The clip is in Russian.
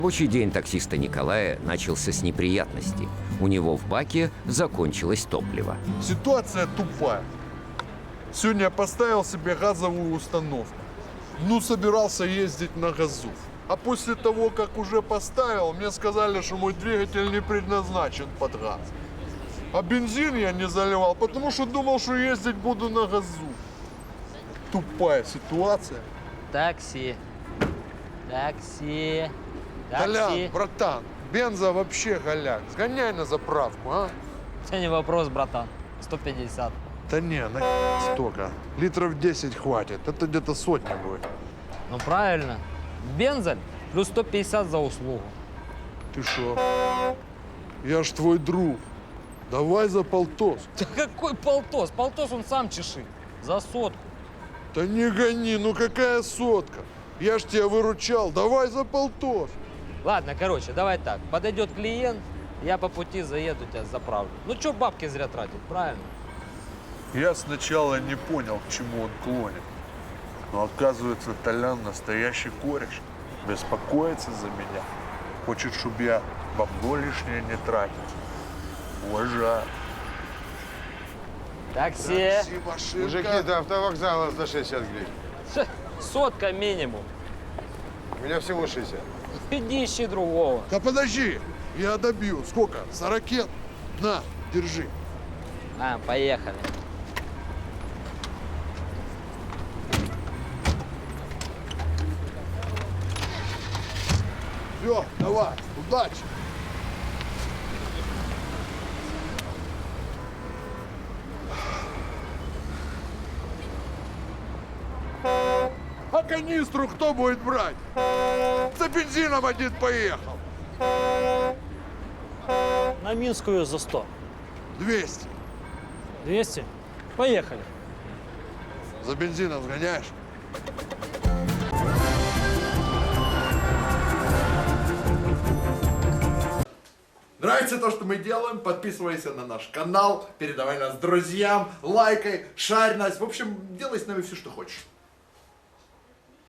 Рабочий день таксиста Николая начался с неприятностей. У него в баке закончилось топливо. Ситуация тупая. Сегодня я поставил себе газовую установку. Ну, собирался ездить на газу. А после того, как уже поставил, мне сказали, что мой двигатель не предназначен под газ. А бензин я не заливал, потому что думал, что ездить буду на газу. Тупая ситуация. Такси. Такси. Толян, Такси. братан, бенза вообще голяк. Сгоняй на заправку, а? Это не вопрос, братан. 150. Да не, на столько. Литров 10 хватит. Это где-то сотня будет. Ну правильно. Бензель плюс 150 за услугу. Ты шо? Я ж твой друг. Давай за полтос. Да какой полтос? Полтос он сам чеши. За сотку. Да не гони, ну какая сотка? Я ж тебя выручал. Давай за полтос. Ладно, короче, давай так. Подойдет клиент, я по пути заеду, тебя заправлю. Ну что бабки зря тратить, правильно? Я сначала не понял, к чему он клонит. Но оказывается, Толян настоящий кореш. Беспокоится за меня. Хочет, чтобы я бабло лишнее не тратил. Уважаю. Такси. машинка. Мужики, до автовокзала за 60 гривен. Ша, Сотка минимум. У меня всего 60. Иди ищи другого. Да подожди, я добью. Сколько? За ракет? На, держи. А, поехали. Все, давай, удачи. А канистру кто будет брать? За бензином один поехал. На Минскую за 100. 200. 200? Поехали. За бензином сгоняешь? Нравится то, что мы делаем? Подписывайся на наш канал, передавай нас друзьям, лайкай, шарь нас. В общем, делай с нами все, что хочешь.